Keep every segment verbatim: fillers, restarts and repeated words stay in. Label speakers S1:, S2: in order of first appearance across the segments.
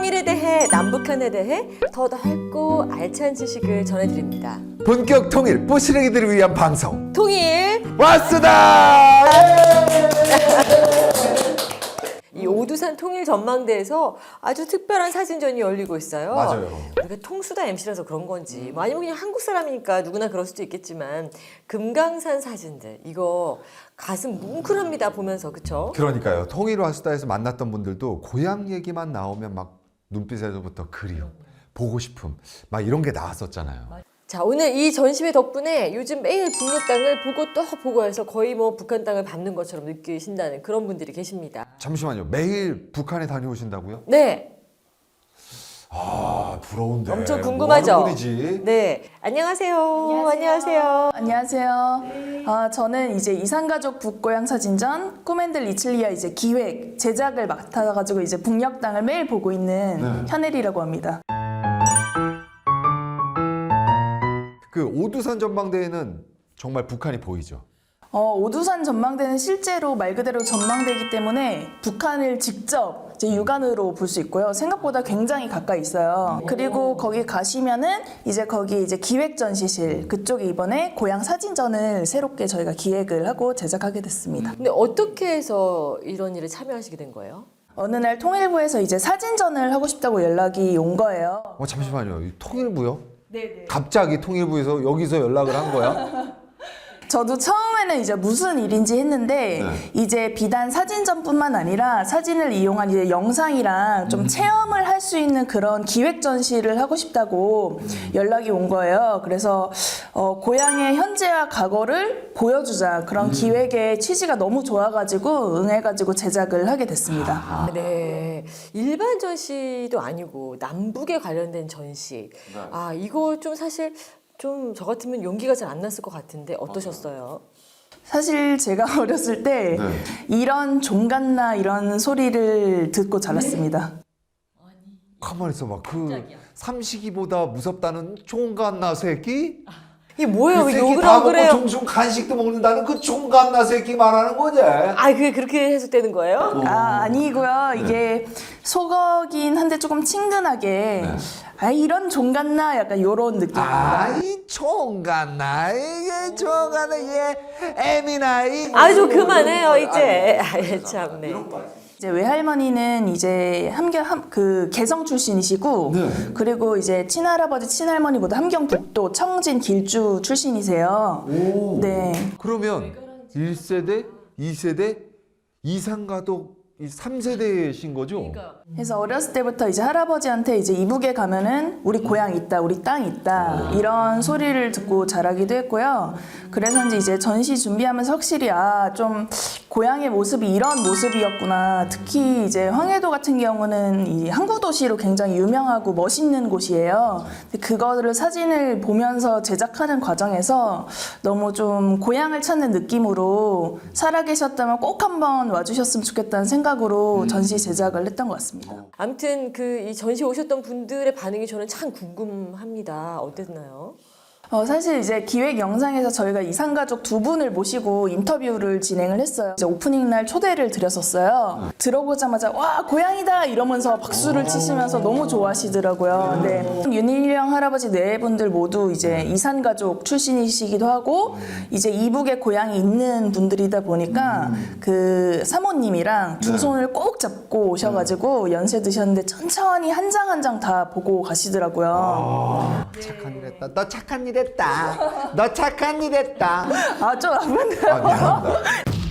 S1: 통일에 대해, 남북한에 대해 더 넓고 알찬 지식을 전해드립니다.
S2: 본격 통일 뿌시래기들을 위한 방송
S1: 통일
S2: 왔수다!
S1: 이 오두산 통일 전망대에서 아주 특별한 사진전이 열리고 있어요.
S2: 맞아요.
S1: 우리가 통수다 엠씨라서 그런 건지 뭐 아니면 그냥 한국 사람이니까 누구나 그럴 수도 있겠지만 금강산 사진들 이거 가슴 뭉클합니다 보면서. 그쵸?
S2: 그러니까요. 통일 왔수다에서 만났던 분들도 고향 얘기만 나오면 막 눈빛에서부터 그리움, 보고 싶음 막 이런 게 나왔었잖아요.
S1: 자, 오늘 이 전시회 덕분에 요즘 매일 북녘 땅을 보고 또 보고 해서 거의 뭐 북한 땅을 밟는 것처럼 느끼신다는 그런 분들이 계십니다.
S2: 잠시만요. 매일 북한에 다녀오신다고요?
S1: 네.
S2: 아, 부러운데.
S1: 엄청 궁금하죠?
S2: 뭐 하는 분이지?
S1: 네. 안녕하세요. 안녕하세요.
S3: 안녕하세요. 아, 저는 이제 이산가족 북고향 사진전 꿈앤들 이칠리아 이제 기획 제작을 맡아가지고 이제 북녘 땅을 매일 보고 있는
S2: 네.
S3: 현엘이라고 합니다.
S2: 그 오두산 전망대에는 정말 북한이 보이죠?
S3: 어, 오두산 전망대는 실제로 말 그대로 전망대이기 때문에 북한을 직접 이제 육안으로 볼 수 있고요. 생각보다 굉장히 가까이 있어요. 그리고 거기 가시면은 이제 거기 이제 기획 전시실 그쪽에 이번에 고향 사진전을 새롭게 저희가 기획을 하고 제작하게 됐습니다.
S1: 근데 어떻게 해서 이런 일에 참여하시게 된 거예요?
S3: 어느 날 통일부에서 이제 사진전을 하고 싶다고 연락이 온 거예요.
S2: 어, 잠시만요. 이 통일부요?
S3: 네네.
S2: 갑자기 통일부에서 여기서 연락을 한 거야?
S3: 저도 처음에는 이제 무슨 일인지 했는데
S2: 네.
S3: 이제 비단 사진전뿐만 아니라 사진을 이용한 이제 영상이랑 좀 체험을 할 수 있는 그런 기획 전시를 하고 싶다고 연락이 온 거예요. 그래서 어, 고향의 현재와 과거를 보여주자 그런 기획의 취지가 너무 좋아가지고 응해가지고 제작을 하게 됐습니다.
S1: 네. 일반 전시도 아니고 남북에 관련된 전시. 아, 이거 좀 사실 좀 저 같으면 용기가 잘 안 났을 것 같은데 어떠셨어요?
S3: 사실 제가 어렸을 때
S2: 네.
S3: 이런 종갓나 이런 소리를 듣고 자랐습니다.
S2: 가만히 있어봐. 그 삼식이보다 무섭다는 총갓나 새끼?
S1: 이게 뭐예요?
S2: 그
S1: 왜
S2: 새끼
S1: 욕을
S2: 다
S1: 하고
S2: 먹고
S1: 그래요?
S2: 종종 간식도 먹는다는 그 총갓나 새끼 말하는 거지?
S1: 아, 그게 그렇게 해석되는 거예요?
S3: 아, 아니고요. 이게 속어긴 한데 조금 친근하게 아, 이런 종갓나 약간 요런 느낌.
S2: 아이 총갓나 이게 총갓나 얘 애미나 이
S1: 아, 좀 그만해요, 이제. 아, 참네.
S3: 이제 외할머니는 이제 함경 함, 그 개성 출신이시고
S2: 네.
S3: 그리고 이제 친할아버지 친할머니보다 함경 북도 청진 길주 출신이세요.
S2: 오.
S3: 네.
S2: 그러면 일 세대, 이 세대, 이산가족 이 삼 세대신 거죠?
S3: 그래서 어렸을 때부터 이제 할아버지한테 이제 이북에 가면은 우리 고향 있다, 우리 땅 있다 이런 소리를 듣고 자라기도 했고요. 그래서인지 이제 전시 준비하면서 확실히 아, 좀 고향의 모습이 이런 모습이었구나. 특히 이제 황해도 같은 경우는 이 항구 도시로 굉장히 유명하고 멋있는 곳이에요. 근데 그거를 사진을 보면서 제작하는 과정에서 너무 좀 고향을 찾는 느낌으로 살아계셨다면 꼭 한번 와주셨으면 좋겠다는 생각으로 전시 제작을 했던 것 같습니다.
S1: 아무튼 그 이 전시 오셨던 분들의 반응이 저는 참 궁금합니다. 어땠나요?
S3: 어, 사실 이제 기획 영상에서 저희가 이산가족 두 분을 모시고 인터뷰를 진행을 했어요. 이제 오프닝 날 초대를 드렸었어요. 들어보자마자 와 고향이다 이러면서 박수를 치시면서 너무 좋아하시더라고요. 네. 윤일령 할아버지 네 분들 모두 이제 이산가족 출신이시기도 하고 이제 이북에 고향이 있는 분들이다 보니까 그 사모님이랑 두 손을 꼭 잡고 오셔가지고 연세 드셨는데 천천히 한 장 한 장 다 보고 가시더라고요.
S2: 착한 일 했다. 너 착한 일 했다. 너 착한 일 했다.
S3: 아, 좀 아픈데요?
S2: 아, 미안합니다.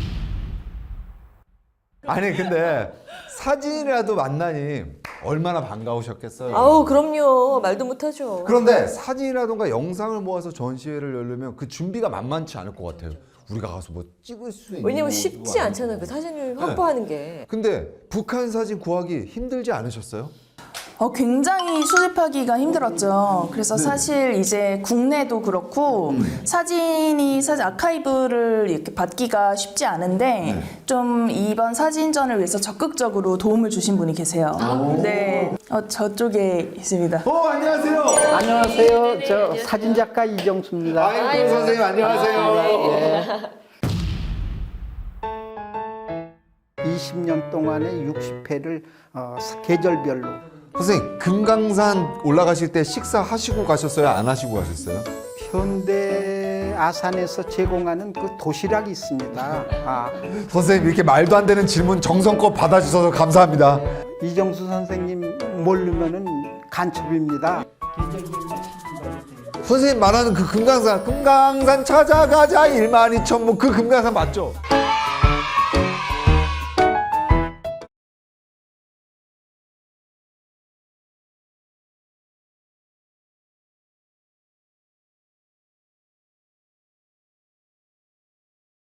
S2: 아니 근데 사진이라도 만나니 얼마나 반가우셨겠어요.
S1: 아우, 그럼요. 말도 못하죠.
S2: 그런데 사진이라던가 영상을 모아서 전시회를 열려면 그 준비가 만만치 않을 것 같아요. 우리가 가서 뭐 찍을 수 있는
S1: 왜냐면
S2: 것도
S1: 쉽지
S2: 아니고.
S1: 않잖아요. 그 사진을 확보하는 게.
S2: 근데 북한 사진 구하기 힘들지 않으셨어요?
S3: 어, 굉장히 수집하기가 힘들었죠. 그래서 사실 이제 국내도 그렇고 사진이 사실 아카이브를 이렇게 받기가 쉽지 않은데 좀 이번 사진전을 위해서 적극적으로 도움을 주신 분이 계세요. 네, 어, 저쪽에 있습니다.
S2: 어 안녕하세요.
S4: 안녕하세요. 저 사진작가 이정수입니다.
S2: 아이고 선생님 안녕하세요.
S4: 이십 년 동안에 육십 회를 어, 계절별로
S2: 선생님 금강산 올라가실 때 식사하시고 가셨어요? 안 하시고 가셨어요?
S4: 현대 아산에서 제공하는 그 도시락이 있습니다. 아,
S2: 선생님 이렇게 말도 안 되는 질문 정성껏 받아주셔서 감사합니다.
S4: 이정수 선생님 모르면은 간첩입니다.
S2: 선생님 말하는 그 금강산 금강산 찾아가자 일만 이천 뭐 그 금강산 맞죠?